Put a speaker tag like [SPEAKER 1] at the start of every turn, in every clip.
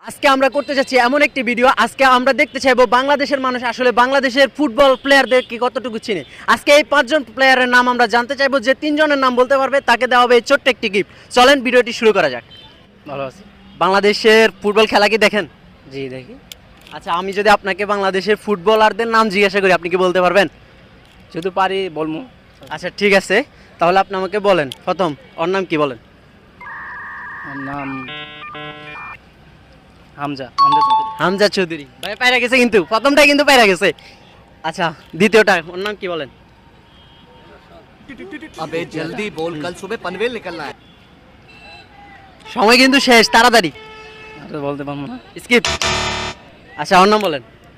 [SPEAKER 1] আজকে আমরা করতে যাচ্ছি এমন একটি ভিডিও। আজকে আমরা দেখতে চাইবো বাংলাদেশের মানুষ আসলে বাংলাদেশের ফুটবল প্লেয়ারদের কি কতটুকু চিনে। আজকে এই 5জন প্লেয়ারের নাম আমরা জানতে চাইবো, যে 3জনের নাম বলতে পারবে তাকে দেওয়া হবে এই ছোট্ট একটি গিফট। চলেন ভিডিওটি শুরু করা যাক।
[SPEAKER 2] ভালো আছি।
[SPEAKER 1] বাংলাদেশের ফুটবল খেলা কি দেখেন?
[SPEAKER 2] জি দেখি।
[SPEAKER 1] আচ্ছা, আমি যদি আপনাকে বাংলাদেশের ফুটবলারদের নাম জিজ্ঞাসা করি, আপনি কি বলতে পারবেন?
[SPEAKER 2] যদি পারি বলবো।
[SPEAKER 1] আচ্ছা ঠিক আছে, তাহলে আপনি আমাকে বলেন প্রথম ওর নাম কি বলেন।
[SPEAKER 2] ওর নাম হামজা হামজা চৌধুরী।
[SPEAKER 1] হামজা চৌধুরী ভাই পায়রা গেছে, কিন্তু প্রথমটাই কিন্তু পায়রা গেছে। আচ্ছা দ্বিতীয়টা ওর নাম কি বলেন।
[SPEAKER 3] अबे जल्दी बोल, कल सुबह पनवेल निकलना है।
[SPEAKER 1] সময় কিন্তু শেষ, তাড়াতাড়ি
[SPEAKER 2] আর বলতে পারবো না।
[SPEAKER 1] স্কিপ। আচ্ছা ওর নাম বলেন।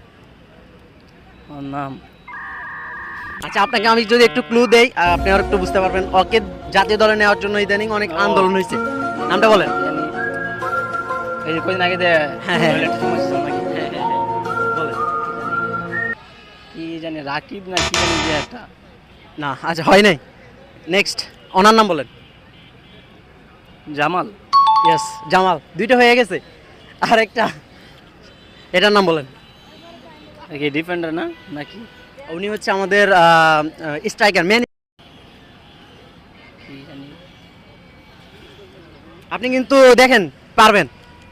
[SPEAKER 2] ওর নাম
[SPEAKER 1] আচ্ছা আপনাকে আমি যদি একটু ক্লু দেই, আপনি আর একটু বুঝতে পারবেন। ওকে জাতীয় দলে নেওয়ার জন্য ইদানিং অনেক আন্দোলন হয়েছে। নামটা বলেন।
[SPEAKER 2] জানি এই যে কদিন আগে
[SPEAKER 1] হ্যাঁ, হ্যাঁ।
[SPEAKER 2] টয়লেট সমস্যা ছিল নাকি?
[SPEAKER 1] বলেন।
[SPEAKER 2] কি জানি রাকিব না কি জানি যে একটা
[SPEAKER 1] না আচ্ছা হয় নাই। নেক্সট ওনার নাম বলেন।
[SPEAKER 2] জামাল।
[SPEAKER 1] ইয়েস জামাল, দুইটা হয়ে গেছে। আর একটা এটার নাম বলেন।
[SPEAKER 2] কি ডিফেন্ডার না নাকি?
[SPEAKER 1] উনি হচ্ছে আমাদের স্ট্রাইকার মেন।
[SPEAKER 2] কি জানি
[SPEAKER 1] আপনি কিন্তু দেখেন পারবেন।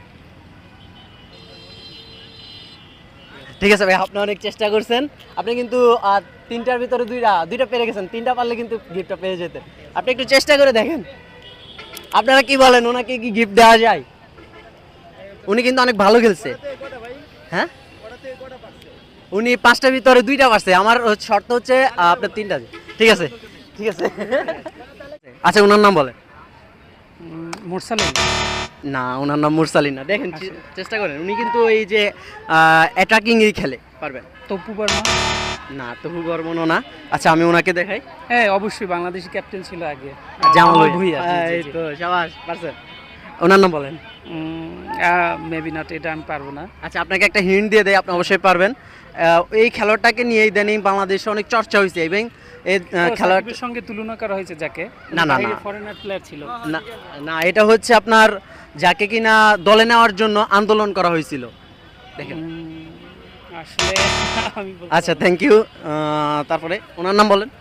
[SPEAKER 1] ঠিক আছে ভাই, আপনি অনেক চেষ্টা করছেন। আপনি কিন্তু তিনটার ভিতরে দুইটা পেরে গেছেন। তিনটা পারলে কিন্তু গিফটটা পেয়ে যেতেন। আপনি একটু চেষ্টা করে দেখেন। আপনারা কি বলেন, ওনাকে কি গিফট দেওয়া যায়? উনি কিন্তু অনেক ভালো খেলছে। হ্যাঁ উনি 5টার ভিতরে 2টা পারছে। আমার শর্ত হচ্ছে আপনার 3টা। ঠিক আছে ঠিক আছে। আচ্ছা ওনার নাম বলেন।
[SPEAKER 2] মুরসালিন।
[SPEAKER 1] না ওনার নাম মুরসালিন না। দেখেন চেষ্টা করেন, উনি কিন্তু এই যে অ্যাটাকিং এই খেলে পারবেন।
[SPEAKER 2] তপু বর্মা।
[SPEAKER 1] না তবু বর্মনও না। আচ্ছা আমি ওনাকে দেখাই।
[SPEAKER 2] হ্যাঁ অবশ্যই বাংলাদেশি ক্যাপ্টেন ছিল আগে
[SPEAKER 1] জামাল
[SPEAKER 2] ভুঁইয়া।
[SPEAKER 1] এই তো শাবাশ পারছেন। ওনার নাম বলেন।
[SPEAKER 2] মেবি নট, এটা আমি পারবো না।
[SPEAKER 1] আচ্ছা আপনাকে একটা হিন্ট দিয়ে দেয়, আপনি অবশ্যই পারবেন। এই খেলোয়াড়টাকে নিয়ে ইদানিং বাংলাদেশে অনেক চর্চা হয়েছে এবং এই খেলোয়াড়
[SPEAKER 2] সাকিবের সঙ্গে তুলনা করা হয়েছে যাকে।
[SPEAKER 1] না, না, না।
[SPEAKER 2] ফরেনার প্লেয়ার ছিল।
[SPEAKER 1] না না, এটা হচ্ছে আপনার যাকে কিনা দলে নেওয়ার জন্য আন্দোলন করা হয়েছিল। দেখেন
[SPEAKER 2] আসলে আমি
[SPEAKER 1] আচ্ছা থ্যাংক ইউ। তারপরে ওনার নাম বলেন।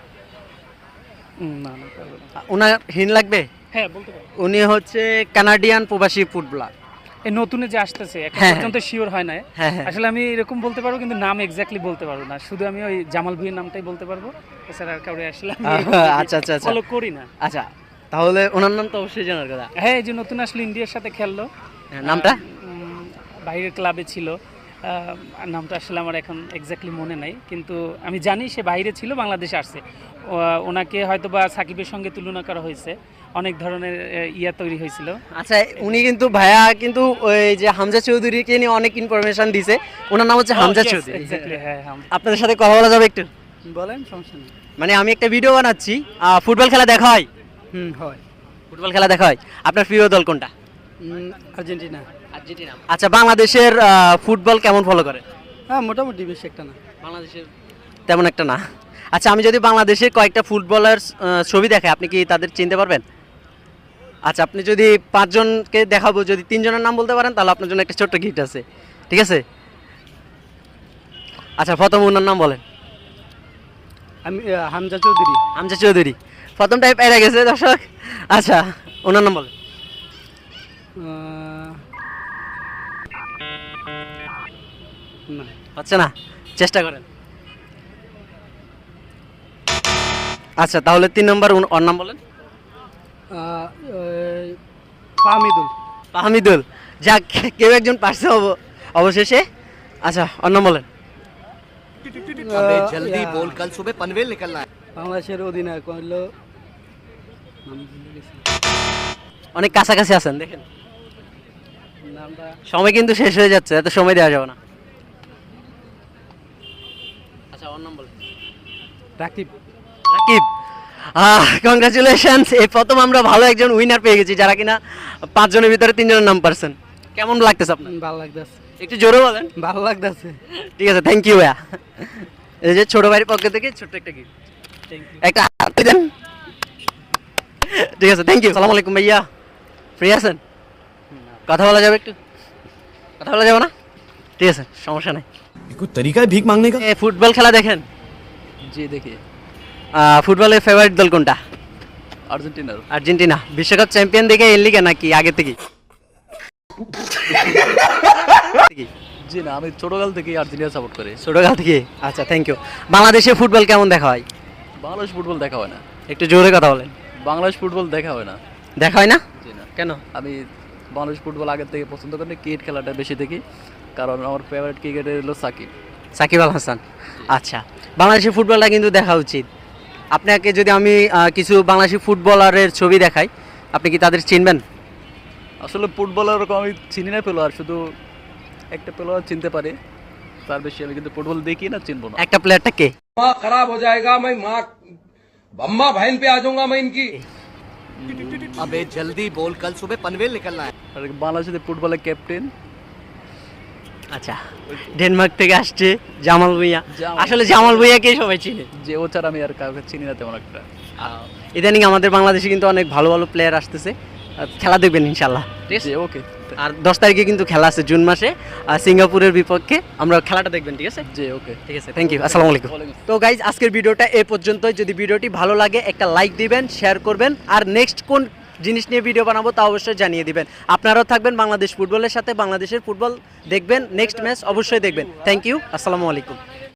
[SPEAKER 2] না না পারবো না।
[SPEAKER 1] ওনার হিন্ট লাগবে।
[SPEAKER 2] হ্যাঁ বলতে পারবো।
[SPEAKER 1] উনি হচ্ছে কানাডিয়ান প্রবাসী ফুটবলার।
[SPEAKER 2] এই নতুনে যে আসতেছে এখন
[SPEAKER 1] হ্যাঁ,
[SPEAKER 2] পর্যন্ত শিওর হয় না।
[SPEAKER 1] হ্যাঁ, হ্যাঁ।
[SPEAKER 2] আসলে আমি এরকম বলতে পারবো কিন্তু নাম এক্স্যাক্টলি বলতে পারবো না। শুধু আমি ওই জামাল ভুঁইয়ের নামটাই বলতে পারবো, এছাড়া আর কাউরে আসলে আমি
[SPEAKER 1] আচ্ছা আচ্ছা আচ্ছা
[SPEAKER 2] ফলো করি না।
[SPEAKER 1] আচ্ছা তাহলে ওনার নাম তো অবশ্যই জানার কথা।
[SPEAKER 2] হ্যাঁ এই যে নতুন আসলে ইন্ডিয়ার সাথে খেললো।
[SPEAKER 1] হ্যাঁ, নামটা
[SPEAKER 2] বাইরের ক্লাবে ছিল। নামটা আসলে আমার এখন এক্স্যাক্টলি মনে নাই, কিন্তু আমি জানি সে বাইরে ছিল, বাংলাদেশে আসছে। ওনাকে হয়তো বা সাকিবের সঙ্গে তুলনা করা হয়েছে, অনেক ধরনের ইয়া তৈরি হয়েছিল।
[SPEAKER 1] আচ্ছা উনি কিন্তু ভাইয়া কিন্তু ওই যে হামজা চৌধুরীকে নিয়ে অনেক ইনফরমেশন দিছে। ওনার নাম হচ্ছে হামজা চৌধুরী।
[SPEAKER 2] এক্স্যাক্টলি হ্যাঁ হ্যাঁ।
[SPEAKER 1] আপনাদের সাথে কথা বলা যাবে একটু?
[SPEAKER 2] বলেন, সমস্যা নেই।
[SPEAKER 1] মানে আমি একটা ভিডিও বানাচ্ছি, ফুটবল খেলা দেখা হয়।
[SPEAKER 2] হয়।
[SPEAKER 1] ফুটবল খেলা দেখা হয়। আপনার প্রিয় দল কোনটা?
[SPEAKER 2] আর্জেন্টিনা।
[SPEAKER 1] আর্জেন্টিনা। আচ্ছা বাংলাদেশের ফুটবল কেমন ফলো করে?
[SPEAKER 2] হ্যাঁ মোটামুটি বেশি একটা না।
[SPEAKER 1] বাংলাদেশের তেমন একটা না। আচ্ছা আমি যদি বাংলাদেশের কয়েকটা ফুটবলার ছবি দেখাই, আপনি কি তাদের চিনতে পারবেন? আচ্ছা আপনি যদি 5জনকে দেখাবো, যদি 3জনের নাম বলতে পারেন তাহলে আপনার জন্য একটা ছোট্ট গিফট আছে। ঠিক আছে? আচ্ছা প্রথম ওনার নাম বলেন।
[SPEAKER 2] আমি হামজা চৌধুরী।
[SPEAKER 1] হামজা চৌধুরী প্রথমটাই পেয়ে গেছে দর্শক। আচ্ছা ওনার নাম বলেন।
[SPEAKER 2] না
[SPEAKER 1] হচ্ছে না, চেষ্টা করেন। আচ্ছা তাহলে 3 নম্বর ওর নাম বলেন।
[SPEAKER 2] ফাহমিদুল।
[SPEAKER 1] হামিদুল। যাক কেউ একজন পারছে অবশেষে। আচ্ছা ওর নাম বলেন।
[SPEAKER 3] अबे जल्दी बोल, कल सुबह पनवेल निकलना है।
[SPEAKER 2] বাংলাদেশের অধিনায়ক হলো
[SPEAKER 1] অনেক কাছাকাছি আছেন, দেখেন
[SPEAKER 2] নামটা
[SPEAKER 1] সময় কিন্তু শেষ হয়ে যাচ্ছে, এত সময় দেওয়া যাবে না। আচ্ছা ওর নাম বলেন।
[SPEAKER 2] রাকিব।
[SPEAKER 1] রাকিব। কংগ্রাচুলেশনস, এই প্রথম আমরা ভালো একজন উইনার পেয়ে গেছি, যারা কিনা 5জনের ভিতরে 3জনের নাম পারছেন। কেমন লাগতেছে আপনার?
[SPEAKER 2] ভালো লাগতেছে।
[SPEAKER 1] একটু জোরে বলেন।
[SPEAKER 2] ভালো লাগতেছে।
[SPEAKER 1] ঠিক আছে থ্যাংক ইউ ভাইয়া। এই যে ছোট ভাইয়ের পক্ষ থেকে ছোট্ট একটা গিফট। একটা হাত দেন। ঠিক আছে থ্যাংক ইউ। সালাম আলাইকুম ভাইয়া। ফ্রি আছেন? কথা বলা যাবে একটু? কথা বলা যাবে না, ঠিক আছে, সমস্যা নাই।
[SPEAKER 4] कोई तरीका है भीख मांगने का?
[SPEAKER 1] ফুটবল খেলা দেখেন?
[SPEAKER 5] জি দেখি।
[SPEAKER 1] ফুটবলের ফেভারিট দল কোনটা?
[SPEAKER 5] আর্জেন্টিনার।
[SPEAKER 1] আর্জেন্টিনা। বিশ্বকাপ চ্যাম্পিয়ন দেখে এর লিগে নাকি আগে থেকে?
[SPEAKER 5] জি না, আমি ছোটকাল থেকেই আর্জেন্টিনা সাপোর্ট করি।
[SPEAKER 1] ছোটকাল থেকে? আচ্ছা, থ্যাংক ইউ। বাংলাদেশে ফুটবল কেমন দেখা হয়?
[SPEAKER 5] বাংলাদেশ ফুটবল দেখা হয় না।
[SPEAKER 1] একটু জোরে কথা বলেন।
[SPEAKER 5] বাংলাদেশ ফুটবল দেখা হয় না।
[SPEAKER 1] দেখা হয় না?
[SPEAKER 5] জি না।
[SPEAKER 1] কেন?
[SPEAKER 5] আমি বাংলাদেশ ফুটবল আগের থেকে পছন্দ করি, ক্রিকেট খেলাটা বেশি দেখি, কারণ আমার ফেভারিট ক্রিকেটার হলো সাকিব।
[SPEAKER 1] সাকিব আল হাসান। আচ্ছা, বাংলাদেশের ফুটবলটা কিন্তু দেখা উচিত। আপনাকে যদি আমি কিছু বাংলাদেশি ফুটবলারের ছবি দেখাই, আপনি কি তাদের চিনবেন?
[SPEAKER 5] আসলে ফুটবলার ওরকম আমি চিনি না, প্লেয়ার শুধু একটা প্লেয়ার চিনতে পারি, তার বেশি আমি কিন্তু ফুটবল দেখি না, চিনবো না।
[SPEAKER 1] একটা প্লেয়ারটা কে?
[SPEAKER 6] माँ खराब हो जाएगा, मैं माँ अम्मा बहन पे आ जाऊंगा मैं इनकी।
[SPEAKER 3] अबे जल्दी बोल, कल सुबह पनवेल निकलना है।
[SPEAKER 5] আর বাংলাদেশের ফুটবলের ক্যাপ্টেন
[SPEAKER 1] আচ্ছা, ডেনমার্ক থেকে আসছে জামাল ভুঁইয়া।
[SPEAKER 5] জামাল।
[SPEAKER 1] আসলে জামাল ভুঁইয়াকে সবাই চিনে।
[SPEAKER 5] যে ও ছাড়া আমি আর কাউকে চিনি না তেমন একটা।
[SPEAKER 1] ইদানিং আমাদের বাংলাদেশে কিন্তু অনেক ভালো ভালো প্লেয়ার আসতেছে। খেলা দেখবেন ইনশাল্লাহ, ঠিক আছে?
[SPEAKER 5] জি ওকে।
[SPEAKER 1] আর 10 তারিখে কিন্তু খেলা আছে জুন মাসে সিঙ্গাপুরের বিপক্ষে। আমরা খেলাটা দেখবেন, ঠিক আছে?
[SPEAKER 5] জি ওকে।
[SPEAKER 1] ঠিক আছে, থ্যাংক ইউ, আসসালামু আলাইকুম। তো গাইজ, আজকের ভিডিওটা এ পর্যন্তই। যদি ভিডিওটি ভালো লাগে একটা লাইক দিবেন, শেয়ার করবেন, আর নেক্সট কোন জিনিস নিয়ে ভিডিও বানাবো তা অবশ্যই জানিয়ে দিবেন। আপনারাও থাকবেন বাংলাদেশ ফুটবলের সাথে, বাংলাদেশের ফুটবল দেখবেন, নেক্সট ম্যাচ অবশ্যই দেখবেন। থ্যাংক ইউ, আসসালামু আলাইকুম।